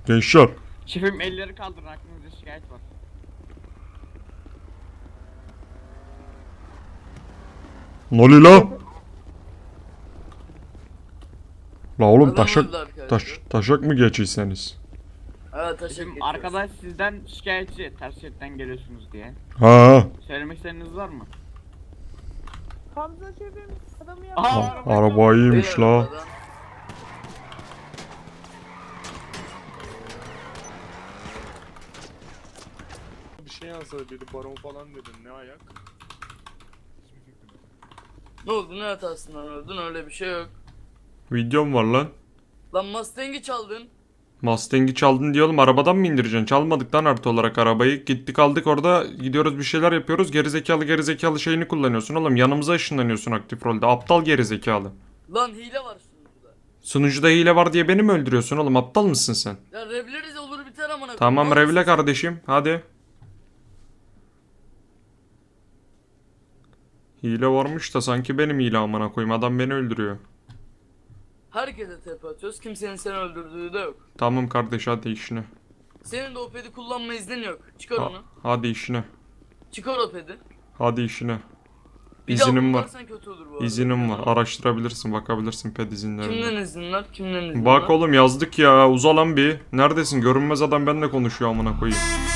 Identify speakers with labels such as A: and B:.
A: Gençler.
B: Şefim elleri kaldırın, aklınızda şikayet var.
A: Ne oluyor la? La oğlum
C: Adam öldü arkadaşlar.
A: taşak mı geçiyseniz?
C: Evet taşak
B: Şefim
C: geçiyoruz.
B: arkadaş sizden şikayetçi, ters şeritten geliyorsunuz diye.
A: Ha.
B: Söylemek istediğiniz var mı?
D: Hamza şefim adamı
B: Aha,
D: yaptı.
A: Araba iyiymiş
C: Beyler
A: la.
C: arabadan.
E: Bir şey yazdı biri baron falan dedin ne ayak?
C: Ne oldu, ne hatasından öldün, öyle bir şey yok.
A: Videom var lan.
C: Lan Mustang'i çaldın.
A: Mustang'i çaldın diye oğlum, arabadan mı indireceksin? Çalmadık lan artı olarak arabayı. Gittik aldık orada, gidiyoruz bir şeyler yapıyoruz. Gerizekalı şeyini kullanıyorsun oğlum. Yanımıza ışınlanıyorsun aktif rolde. Aptal gerizekalı.
C: Lan hile var sunucuda.
A: Sunucuda hile var diye beni mi öldürüyorsun oğlum? Aptal mısın sen?
C: Ya revleriz olur biter amına.
A: Tamam
C: koyayım.
A: revle kardeşim. Hadi. Hile varmış da sanki benim hile amına koyayım. Adam beni öldürüyor.
C: Herkese tepe atıyoruz. Kimsenin seni öldürdüğü de yok.
A: Tamam kardeş, hadi işine.
C: Senin de o pedi kullanma iznin yok. Çıkar
A: Ha-
C: onu.
A: hadi işine.
C: Çıkar o pedi.
A: Hadi işine.
C: Bir daha
A: İzinim var.
C: kullanırsan kötü olur bu arada.
A: İzinim var. Araştırabilirsin, bakabilirsin ped izinlerine.
C: Kimden izin var? Kimden izin var?
A: Bak oğlum yazdık ya. Uza lan bir. Neredesin? Görünmez adam benimle konuşuyor amına koyayım.